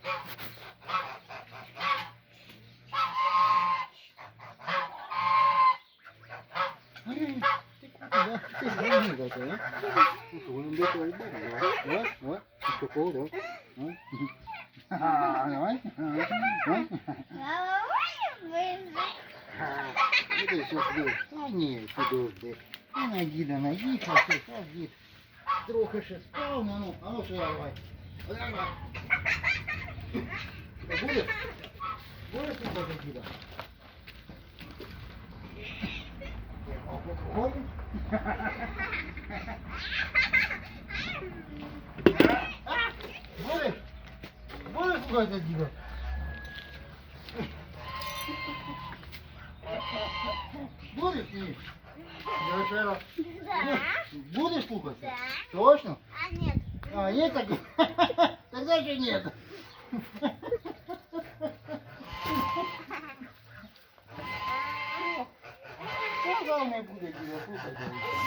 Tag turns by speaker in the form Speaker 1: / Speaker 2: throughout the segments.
Speaker 1: Ти зрозумів, так? Він до того йде. О, такого, так. Давай. Іди сюди. Ні, сюди. Діда наїхав, дід. Трохи ще спав, а ну сюди давай. Давай. Будеш? Будеш слухати діда? Ходиш? Будеш? Будеш слухати діда? Будеш ні? Я ще раз. Будешь слухать?
Speaker 2: Да.
Speaker 1: Точно?
Speaker 2: А нет.
Speaker 1: А, нет так? Тогда же нет. Что главное будет тебя слухать?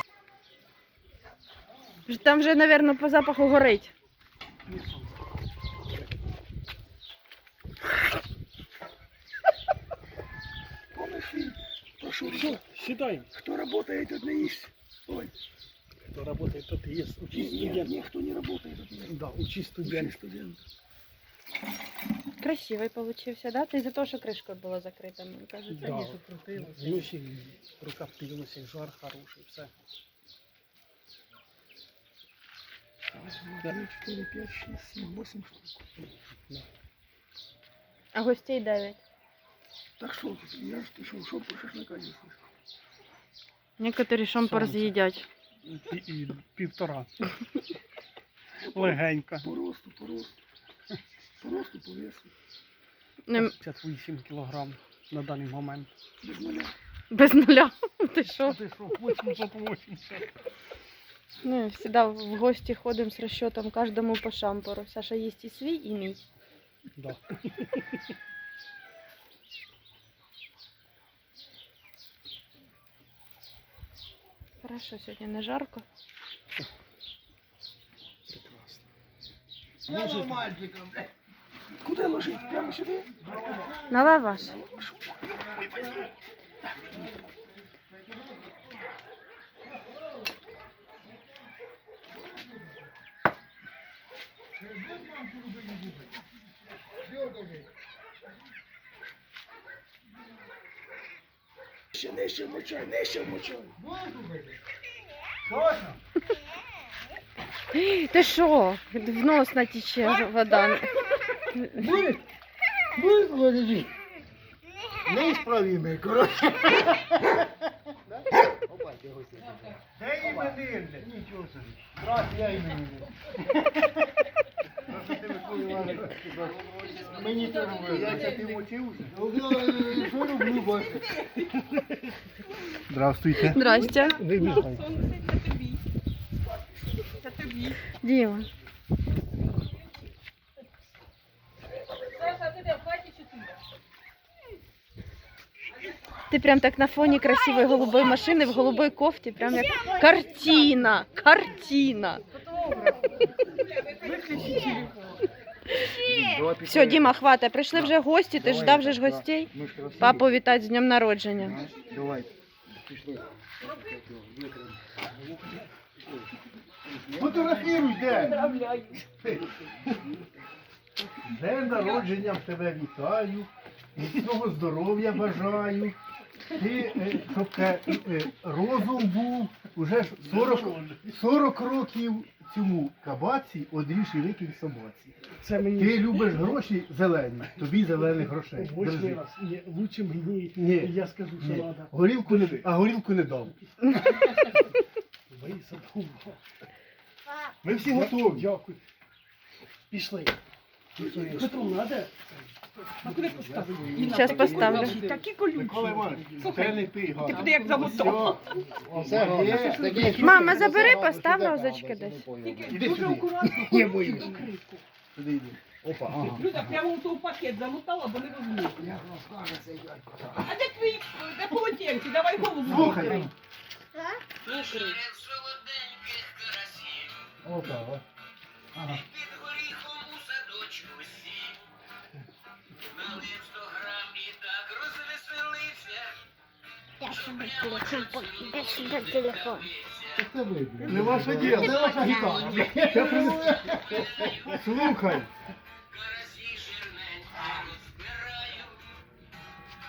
Speaker 3: Там вже, мабуть, по запаху горить.
Speaker 4: Помнишь фильм? Прошу, все, сідай. Кто работает, тот не есть. Ой. Кто работает, тот и есть. Учись студент. Никто не работает, тот не есть. Да, учись студент. Учись студент.
Speaker 3: Красивий получився, да? Це із-за того, що кришкою було закрита, мені кажеться.
Speaker 4: Да. Вночі рука впилася, жар хороший, все. 2, 4, 5, 6, 7, 8 штук. Да.
Speaker 3: А гостей 9.
Speaker 4: Так что, я ж шо про шашлыка не слышу.
Speaker 3: Некоторі шомпар
Speaker 4: Сонце.
Speaker 3: з'їдять.
Speaker 4: І 1,5. Легенько. По росту. По росту, по весу. 58 кілограм на даний момент. Без нуля.
Speaker 3: Без нуля. Ти що?
Speaker 4: Ти що, 880.
Speaker 3: Ну, завжди в гості ходимо з розчетом кожному по шампуру. Саша їсть і свій, і мій.
Speaker 4: Да.
Speaker 3: Хорошо, сьогодні не жарко.
Speaker 4: Прекрасно.
Speaker 1: Мальчиком, блядь.
Speaker 4: Куди ложить? Прямо сюди?
Speaker 3: На лаваш.
Speaker 4: Ой, возьми. Нижче вмочай.
Speaker 1: Будешь слухать? Точно?
Speaker 3: Ти що? В нос натіче вода.
Speaker 1: Будешь? Будешь слухать? Неисправимый, короче. Опа, ты гости. Да именинник. Ничего себе. Здравствуй, я именинник. Мені це робили. Я ти мочився? Що роблю, бачите?
Speaker 4: Здравствуйте.
Speaker 3: Здрасте.
Speaker 4: Вибігай.
Speaker 3: Діма. Ти прям так на фоні красивої голубої машини в голубой кофті, прям як картина. Картина. Все, Діма, хватає. Прийшли вже гості, ти ждав вже ж гостей. Папу вітати з днем народження.
Speaker 1: Давай, пішли. Фотографіруй, де? День народження в тебе вітаю, міцного здоров'я бажаю. Ти, щоб розум був, уже ж 40 років цьому кабаці одріж і викинь собаці.
Speaker 4: Це мені...
Speaker 1: Ти любиш гроші зелені, тобі зелених грошей.
Speaker 4: Восьмий
Speaker 1: Держи.
Speaker 4: раз. Ні, лучше мені,
Speaker 1: Ні.
Speaker 4: я скажу, що
Speaker 1: Ні.
Speaker 4: треба.
Speaker 1: Горілку не дам.
Speaker 4: Висадку.
Speaker 1: Ми всі готові.
Speaker 4: Дякую. Пішли. Петру, надо?
Speaker 5: А куди поставити?
Speaker 3: Щас поставлю.
Speaker 5: Такі колючі.
Speaker 1: Микола Іванович,
Speaker 5: Слухай,
Speaker 1: це не пий,
Speaker 5: ти
Speaker 1: Ганна.
Speaker 5: буде як замотав.
Speaker 1: Все, є, таке, що
Speaker 3: Мама,
Speaker 1: ти
Speaker 3: забери,
Speaker 1: сказала,
Speaker 3: постав
Speaker 1: що
Speaker 3: розочки
Speaker 1: це
Speaker 3: десь.
Speaker 1: не поняла.
Speaker 5: Тільки
Speaker 1: Іди
Speaker 5: дуже
Speaker 1: сюди.
Speaker 5: акуратно.
Speaker 1: Я боюсь. Сюди йди. Опа, ага.
Speaker 5: Люда, прямо у той пакет замотала, бо не розумію.
Speaker 1: Як розкаже цей дядько.
Speaker 5: А де твої, де полотенці? Давай голову.
Speaker 1: Слухай.
Speaker 3: Ну,
Speaker 1: Опа, о. Ага.
Speaker 2: Я сюди телефон, я сюди телефон.
Speaker 1: Це вибір.
Speaker 4: Не ваше діло.
Speaker 1: Це ваша гітара. Слухай,